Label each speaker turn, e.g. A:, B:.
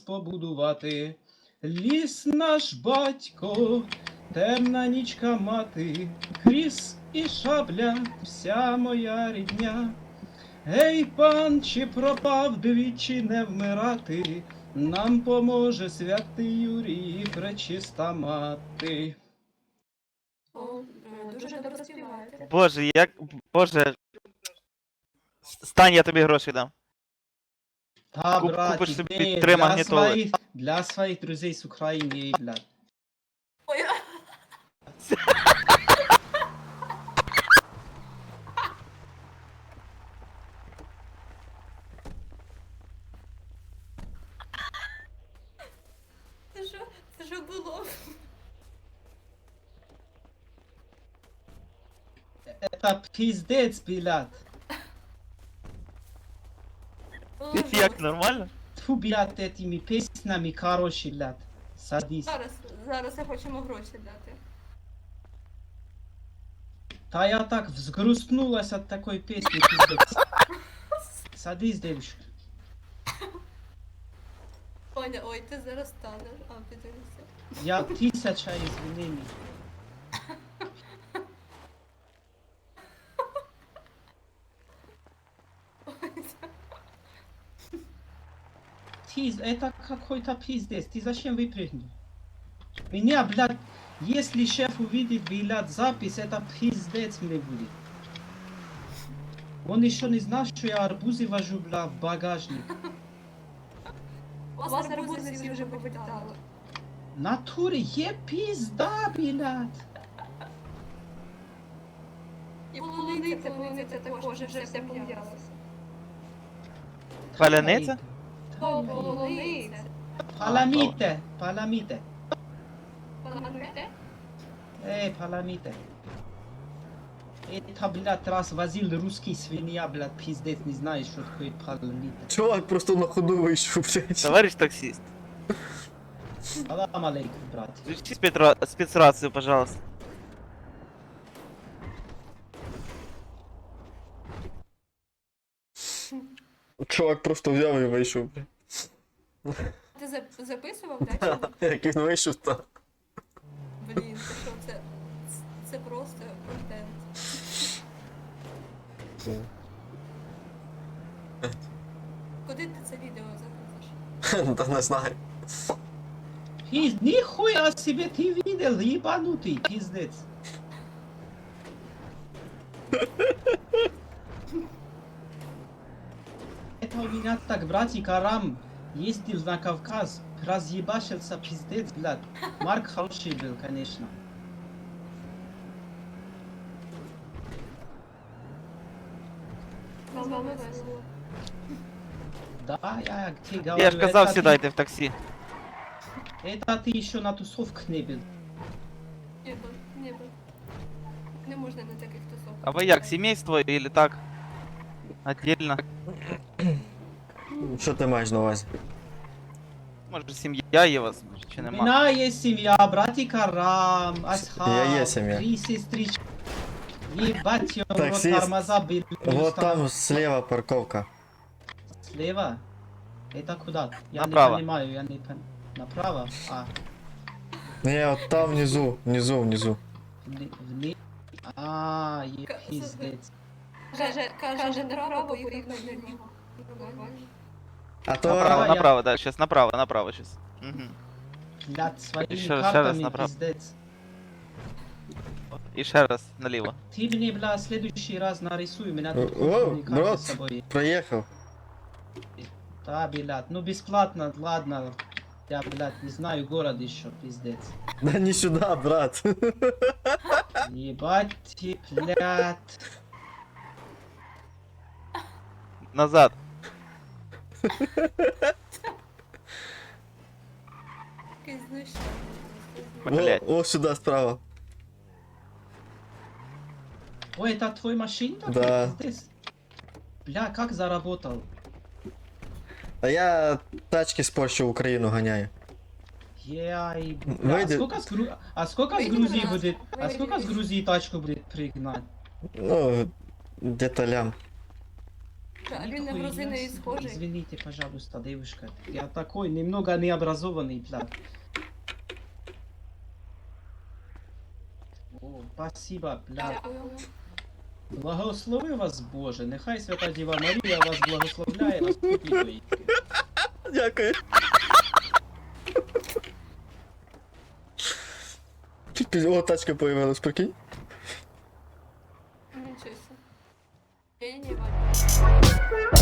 A: побудувати. Ліс наш батько, темна нічка мати, кріс і шабля, вся моя рідня. Гей, пан, чи пропав двічі не вмирати, нам поможе святий Юрій, пречиста мати.
B: О, дуже добре співаєте.
C: Боже, як. Боже. Стань, я тобі гроші дам.
A: Та,
C: Купиш
A: братик,
C: собі
A: ні,
C: 3 магнітоли.
A: для своїх друзей з України, блядь.
B: Ой, це що було?
A: Это пиздец, блядь.
C: Як, нормально?
A: Тьфу, блядь, этими песнями, короче, блядь. Садись.
B: Зараз я хочемо гроші дати.
A: Та я так взгрустнулась от такой песни, пиздец. Садись, девушка.
B: Оня, ой, ти зараз станеш. А, підвівся.
A: Я 1000 извинений. Это какой-то пиздец. Ты зачем выпрыгнул? Меня, блядь, если шеф увидит, блядь, запись, это пиздец мне будет. Он еще не знал, что я арбузы вожу, блядь, в багажник.
B: У вас арбузи всі вже повитали.
A: Натуре, е пизда, блядь.
B: І полуниця також вже все пом'ялося.
C: Паляниця?
B: О, полуниця.
A: Паламите, паламите.
B: Паламите?
A: Паламите. Это, блядь, раз возил русский свинья, блядь, пиздец, не знаешь, что такое паламите.
D: Чувак просто на ходу вийшов, блядь.
C: Товарищ таксист.
A: Салам алейкум, брат.
C: Включи спецрацию, пожалуйста.
D: Чувак просто взяв і вийшов, блядь.
B: Ти записував, так?
D: Як він вийшов, то.
B: Блін, це що, це просто контент. Куди ти це відео загрузиш?
D: Та не знаю.
A: Нихуя себе ты видел, ебанутый, пиздец. Это у меня так братик Арам ездил на Кавказ, разъебашился, пиздец, блядь. Марк хороший был, конечно.
B: Вам весело.
A: Да, я тебе говорю,
C: Я ж казав,
A: это
C: сідайте в таксі.
A: Это ты еще на тусовках не был.
B: Не був. Не можна на таких тусовках.
C: А ви як, семейство или так? Отдельно?
D: Що ти маєш на увазі?
C: Може сім'я є у вас, чи
A: У
C: нема?
A: меня есть семья, братик Арам, Асхаб,
D: Я есть семья.
A: 3 сестрички. Ебать, его рот,
D: Таксист.
A: тормоза были.
D: Вот там слева парковка.
A: Слева? Это куда? Я
C: Направо.
A: не понимаю, я не понимаю. Направо? А,
D: Не, от там внизу.
A: А, е
B: К-
A: пиздец.
B: Каже, направо поїхав наліво.
D: А то
C: Направо,
A: я-
C: направо, да, сейчас направо сейчас. Угу.
A: Блядь, своими
C: Еще раз
A: картами
C: направо.
A: пиздец.
C: І ще раз наліво.
A: Ты мне, бля, в следующий раз нарисуй, у меня тут
D: О,
A: культурные карты
D: брат.
A: с собой.
D: проїхав.
A: Да, блядь, ну бесплатно, ладно. Я, блядь, не знаю город еще, пиздец.
D: Да не сюди, брат.
A: Ебать, ты, блядь.
C: Назад.
B: Якийсь знущання.
C: Блять.
D: О, сюди справа.
A: Ой, это твой машина?
D: Да.
A: Пиздец. Бля, как заработал?
D: А я тачки з Польщі в Україну ганяю.
A: Ей,
D: Выйди.
A: а сколько с
B: Выйди,
A: Грузии
B: пожалуйста.
A: будет? А
B: Выйди,
A: сколько с
B: выйди.
A: Грузии тачку будет пригнать?
D: Ну, где-то лям.
B: А він на
A: Нихуя
B: грузина і
A: себе.
B: схожий.
A: Извините, пожалуйста, девушка. Я такой немного необразованный, блядь. О, спасибо, блядь.
B: Дякую.
A: Благослови вас, Боже. Нехай Свята Діва Марія вас благословляє на спокій твої.
D: Дякую. О, тачка появилась, прикинь.
B: Нічого. Ні, Ваня.